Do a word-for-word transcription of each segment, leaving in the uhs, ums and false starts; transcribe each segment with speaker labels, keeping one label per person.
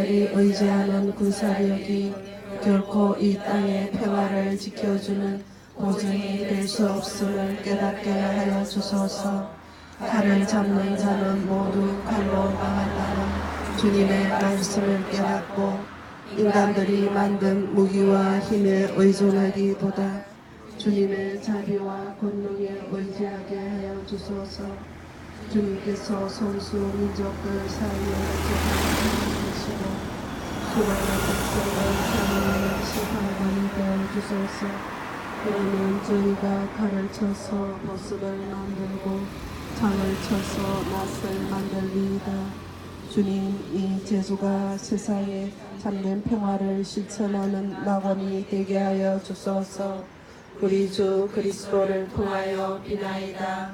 Speaker 1: 인간들이 의지하는 군사력이 결코 이 땅의 평화를 지켜주는 보증이 될 수 없음을 깨닫게 하여 주소서. 칼을 잡는 자는 모두 칼로 망한다는 주님의 말씀을 깨닫고 인간들이 만든 무기와 힘에 의존하기보다 주님의 자비와 권능에 의지하게 하여 주소서. 주님께서 선수 민족들 사이에 계시고 수많은 백성을 사랑하는 심판관이 되어 주소서. 그러면 저희가 칼을 쳐서 보습을 만들고 창을 쳐서 낫을 만들리이다. 주님, 이 제주가 세상에 참된 평화를 실천하는 낙원이 되게 하여 주소서. 우리 주 그리스도를 통하여 비나이다.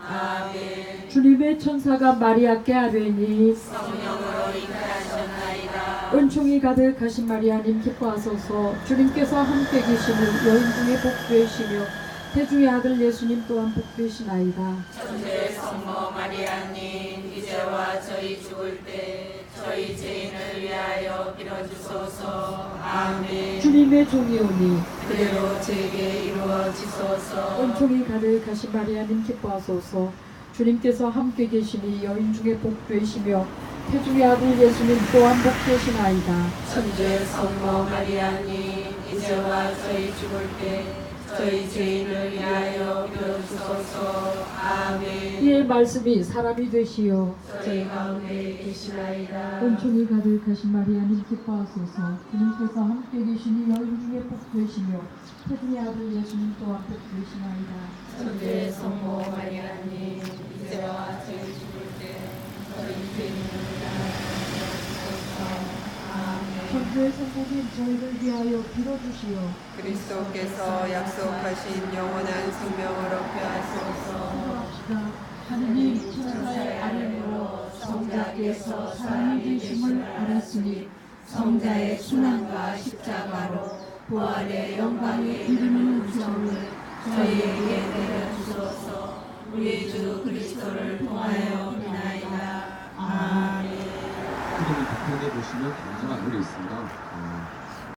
Speaker 1: 아멘.
Speaker 2: 주님의 천사가 마리아께 아뢰니
Speaker 3: 성령으로 잉태하셨나이다.
Speaker 2: 은총이 가득하신 마리아님 기뻐하소서. 주님께서 함께 계시는 여인 중에 복되시며 태중의 아들 예수님 또한 복되시나이다.
Speaker 3: 천주의 성모 마리아님, 이제와 저희 죽을 때 저희 죄인을 위하여 빌어주소서. 아멘.
Speaker 2: 주님의 종이 오니
Speaker 3: 그대로 제게 이루어지소서.
Speaker 2: 은총이 가득하신 마리아님 기뻐하소서. 주님께서 함께 계시니 여인 중에 복되시며 태중의 아들 예수님 또한 복되시나이다.
Speaker 3: 천주의 성모 마리아님, 이제와 저희 죽을 때 저희 죄인을 위하여 빌어주소서. 아멘.
Speaker 2: 이의 말씀이 사람이 되시어
Speaker 3: 저희 가운데 계시나이다.
Speaker 2: 은총이 가득하신 마리아님 기뻐하소서. 주님께서 함께 계시니 여인 중에 복되시며 태중의 아들 예수님 또한 복되시나이다.
Speaker 3: 천주의 성모 마리아님, 이제와 저희 죽을 때 저희 죄인을 위하여 빌어주소서. 아멘.
Speaker 2: 천주의 성부님 저희를 위하여 빌어주시오.
Speaker 4: 그리스도께서 약속하신 영원한 생명을 얻게 하소서.
Speaker 2: 기도합시다. 하느님 천사의 아뢰므로 성자께서 사람이 되심을 알았으니
Speaker 3: 성자의 순환과 십자가로 부활의 영광에 이르는 구성을 저희에게 내려주소서. 우리 주 그리스도를 통하여 비나이다. 아멘.
Speaker 5: 후보를 비평해 보시면 굉장한 글이 있습니다. 어,